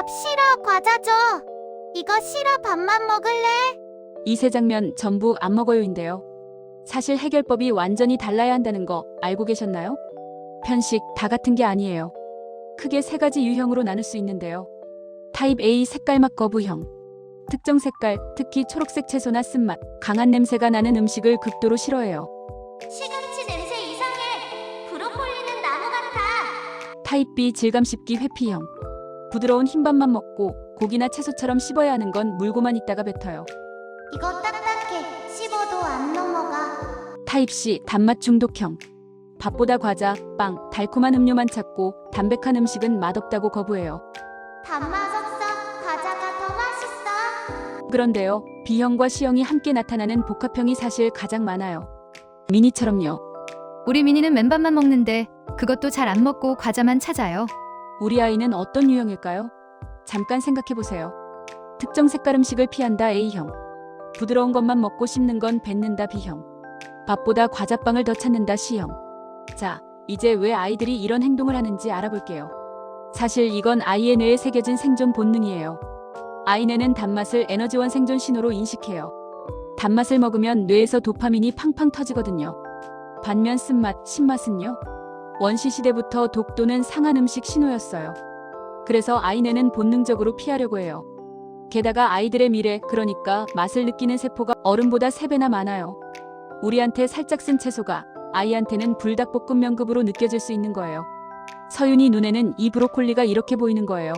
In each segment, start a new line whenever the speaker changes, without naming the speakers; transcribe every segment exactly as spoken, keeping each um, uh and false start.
밥 싫어, 과자 줘. 이거 싫어, 밥만 먹을래?
이 세 장면 전부 안 먹어요인데요. 사실 해결법이 완전히 달라야 한다는 거 알고 계셨나요? 편식 다 같은 게 아니에요. 크게 세 가지 유형으로 나눌 수 있는데요. 타입 A 색깔맛 거부형. 특정 색깔, 특히 초록색 채소나 쓴맛, 강한 냄새가 나는 음식을 극도로 싫어해요.
시금치 냄새 이상해. 브로콜리는 나무 같아.
타입 B 질감 씹기 회피형. 부드러운 흰밥만 먹고 고기나 채소처럼 씹어야 하는 건 물고만 있다가 뱉어요.
이거 딱딱해. 씹어도 안 넘어가.
타입 C 단맛 중독형. 밥보다 과자, 빵, 달콤한 음료만 찾고 담백한 음식은 맛없다고 거부해요.
단맛 없어. 과자가 더 맛있어.
그런데요, B형과 C형이 함께 나타나는 복합형이 사실 가장 많아요. 미니처럼요.
우리 미니는 맨밥만 먹는데 그것도 잘 안 먹고 과자만 찾아요.
우리 아이는 어떤 유형일까요? 잠깐 생각해보세요. 특정 색깔 음식을 피한다 A형. 부드러운 것만 먹고 씹는 건 뱉는다 B형. 밥보다 과자빵을 더 찾는다 C형. 자, 이제 왜 아이들이 이런 행동을 하는지 알아볼게요. 사실 이건 아이의 뇌에 새겨진 생존 본능이에요. 아이 뇌는 단맛을 에너지원 생존 신호로 인식해요. 단맛을 먹으면 뇌에서 도파민이 팡팡 터지거든요. 반면 쓴맛, 신맛은요? 원시 시대부터 독도는 상한 음식 신호였어요. 그래서 아이 뇌는 본능적으로 피하려고 해요. 게다가 아이들의 미래, 그러니까 맛을 느끼는 세포가 어른보다 세 배나 많아요. 우리한테 살짝 쓴 채소가 아이한테는 불닭볶음면급으로 느껴질 수 있는 거예요. 서윤이 눈에는 이 브로콜리가 이렇게 보이는 거예요.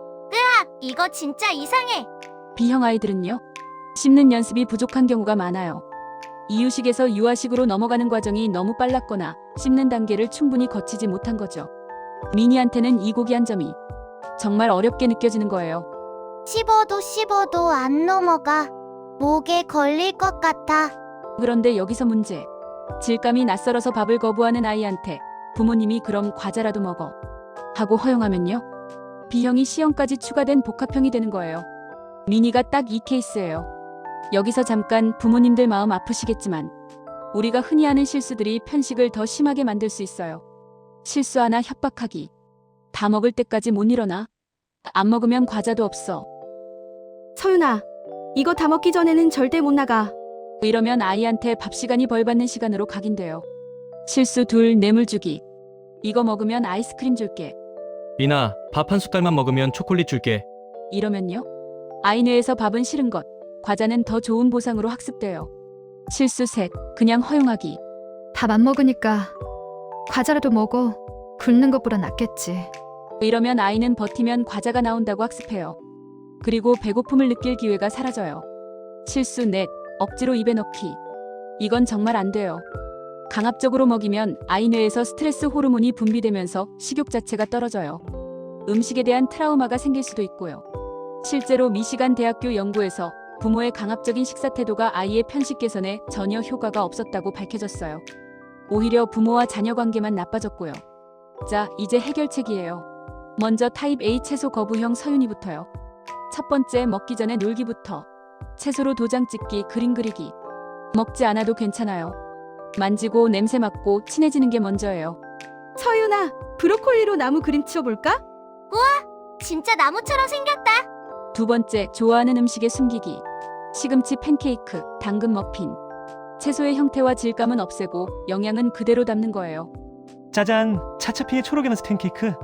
이거 진짜 이상해.
B형 아이들은요? 씹는 연습이 부족한 경우가 많아요. 이유식에서 유아식으로 넘어가는 과정이 너무 빨랐거나 씹는 단계를 충분히 거치지 못한 거죠. 미니한테는 이 고귀한 점이 정말 어렵게 느껴지는 거예요.
씹어도 씹어도 안 넘어가. 목에 걸릴 것 같아.
그런데 여기서 문제. 질감이 낯설어서 밥을 거부하는 아이한테 부모님이 그럼 과자라도 먹어 하고 허용하면요? B형이 C형까지 추가된 복합형이 되는 거예요. 미니가 딱 이 케이스예요. 여기서 잠깐 부모님들 마음 아프시겠지만 우리가 흔히 하는 실수들이 편식을 더 심하게 만들 수 있어요. 실수 하나 협박하기. 다 먹을 때까지 못 일어나? 안 먹으면 과자도 없어.
서윤아, 이거 다 먹기 전에는 절대 못 나가.
이러면 아이한테 밥 시간이 벌 받는 시간으로 각인돼요. 실수 둘 뇌물 주기. 이거 먹으면 아이스크림 줄게.
미나, 밥 한 숟갈만 먹으면 초콜릿 줄게.
이러면요? 아이 뇌에서 밥은 싫은 것, 과자는 더 좋은 보상으로 학습돼요. 실수 셋, 그냥 허용하기.
밥 안 먹으니까 과자라도 먹어. 굶는 것보다 낫겠지.
이러면 아이는 버티면 과자가 나온다고 학습해요. 그리고 배고픔을 느낄 기회가 사라져요. 실수 넷, 억지로 입에 넣기. 이건 정말 안 돼요. 강압적으로 먹이면 아이 뇌에서 스트레스 호르몬이 분비되면서 식욕 자체가 떨어져요. 음식에 대한 트라우마가 생길 수도 있고요. 실제로 미시간 대학교 연구에서 부모의 강압적인 식사 태도가 아이의 편식 개선에 전혀 효과가 없었다고 밝혀졌어요. 오히려 부모와 자녀 관계만 나빠졌고요. 자, 이제 해결책이에요. 먼저 타입 A 채소 거부형 서윤이부터요. 첫 번째, 먹기 전에 놀기부터. 채소로 도장 찍기, 그림 그리기. 먹지 않아도 괜찮아요. 만지고 냄새 맡고 친해지는 게 먼저예요.
서윤아, 브로콜리로 나무 그림 치워볼까?
진짜 나무처럼 생겼다.
두 번째, 좋아하는 음식에 숨기기. 시금치 팬케이크, 당근 머핀. 채소의 형태와 질감은 없애고 영양은 그대로 담는 거예요.
짜잔! 차차피의 초록의 맛 팬케이크.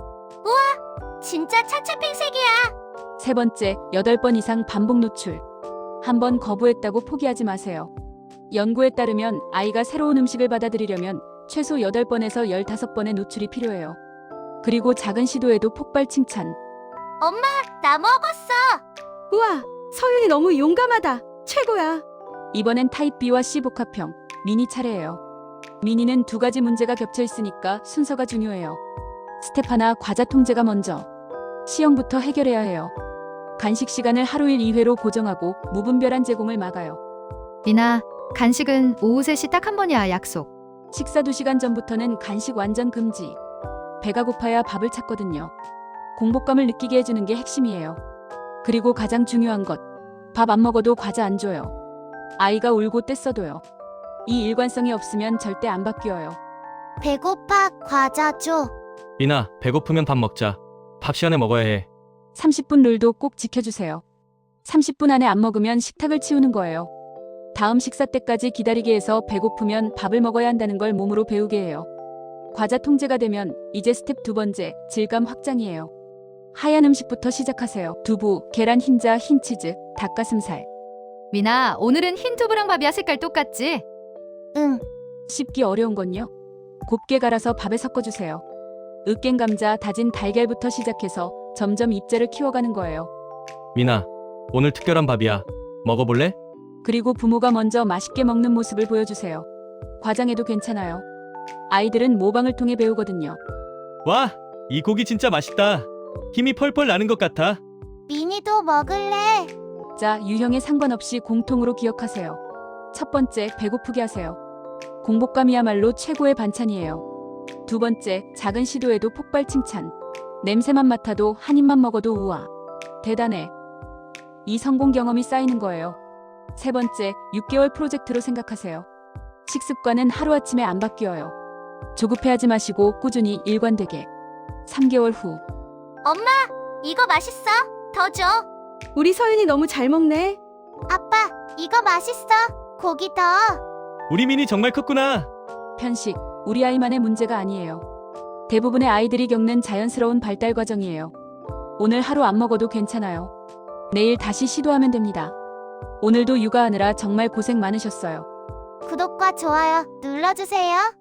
진짜 차차핑색이야.
세 번째, 여덟 번 이상 반복 노출. 한 번 거부했다고 포기하지 마세요. 연구에 따르면 아이가 새로운 음식을 받아들이려면 최소 여덟 번에서 열다섯 번의 노출이 필요해요. 그리고 작은 시도에도 폭발 칭찬.
엄마, 나 먹었어.
우와, 서윤이 너무 용감하다. 최고야.
이번엔 타입 B와 C 복합형, 미니 차례예요. 미니는 두 가지 문제가 겹쳐 있으니까 순서가 중요해요. 스텝 하나, 과자 통제가 먼저. C형부터 해결해야 해요. 간식 시간을 하루 일 이 회로 고정하고 무분별한 제공을 막아요.
미나, 간식은 오후 세 시 딱 한 번이야, 약속.
식사 두 시간 전부터는 간식 완전 금지. 배가 고파야 밥을 찾거든요. 공복감을 느끼게 해주는 게 핵심이에요. 그리고 가장 중요한 것, 밥 안 먹어도 과자 안 줘요. 아이가 울고 떼써도요. 이 일관성이 없으면 절대 안 바뀌어요.
배고파, 과자 줘.
미나, 배고프면 밥 먹자. 밥 시간에 먹어야 해.
삼십 분 룰도 꼭 지켜주세요. 삼십 분 안에 안 먹으면 식탁을 치우는 거예요. 다음 식사 때까지 기다리게 해서 배고프면 밥을 먹어야 한다는 걸 몸으로 배우게 해요. 과자 통제가 되면 이제 스텝 두 번째, 질감 확장이에요. 하얀 음식부터 시작하세요. 두부, 계란 흰자, 흰치즈, 닭가슴살.
미나, 오늘은 흰 두부랑 밥이야. 색깔 똑같지?
응.
씹기 어려운 건요. 곱게 갈아서 밥에 섞어주세요. 으깬 감자, 다진 달걀부터 시작해서 점점 입자를 키워가는 거예요.
미나, 오늘 특별한 밥이야. 먹어볼래?
그리고 부모가 먼저 맛있게 먹는 모습을 보여주세요. 과장해도 괜찮아요. 아이들은 모방을 통해 배우거든요.
와, 이 고기 진짜 맛있다. 힘이 펄펄 나는 것 같아.
미니도 먹을래?
자, 유형에 상관없이 공통으로 기억하세요. 첫 번째, 배고프게 하세요. 공복감이야말로 최고의 반찬이에요. 두 번째, 작은 시도에도 폭발 칭찬. 냄새만 맡아도 한 입만 먹어도 우와. 대단해. 이 성공 경험이 쌓이는 거예요. 세 번째, 육 개월 프로젝트로 생각하세요. 식습관은 하루아침에 안 바뀌어요. 조급해하지 마시고 꾸준히 일관되게. 삼 개월 후.
엄마, 이거 맛있어. 더 줘.
우리 서윤이 너무 잘 먹네.
아빠, 이거 맛있어. 고기 더.
우리 미니 정말 컸구나.
편식, 우리 아이만의 문제가 아니에요. 대부분의 아이들이 겪는 자연스러운 발달 과정이에요. 오늘 하루 안 먹어도 괜찮아요. 내일 다시 시도하면 됩니다. 오늘도 육아하느라 정말 고생 많으셨어요.
구독과 좋아요 눌러주세요.